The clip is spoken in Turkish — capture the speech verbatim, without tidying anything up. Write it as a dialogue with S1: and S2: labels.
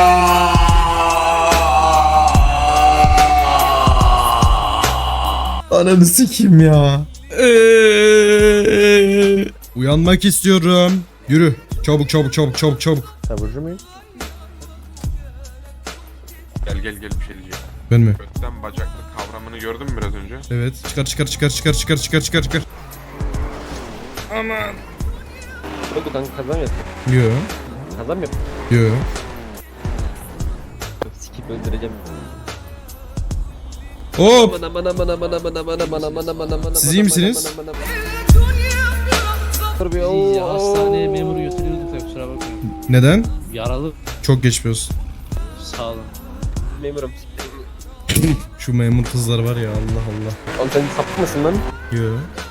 S1: Ananı sikeyim ya. Uyanmak istiyorum. Yürü. Çabuk çabuk çabuk çabuk çabuk.
S2: Taburcu muyum?
S3: Gel gel gel bir şey diyeceğim.
S1: Ben mi?
S3: Götten bacaklı kavramını gördün mü biraz önce?
S1: Evet. Çıkar çıkar çıkar çıkar çıkar çıkar çıkar çıkar.
S2: Oldu kanka, kazan yap.
S1: Yo.
S2: Kazan yap.
S1: Yo.
S2: Sikip öldüreceğim.
S1: Hop.
S2: Aman aman aman aman aman aman aman aman aman aman.
S1: Siz iyi misiniz?
S4: Bizi hastaneye memuru götürüyorduk da kusura bakmayın.
S1: Neden?
S4: Yaralı.
S1: Çok geçmiş olsun.
S4: Sağ olun.
S2: Memurum.
S1: Şu memur kızlar var ya, Allah Allah.
S2: Oğlum sen sapık mısın lan?
S1: Yo.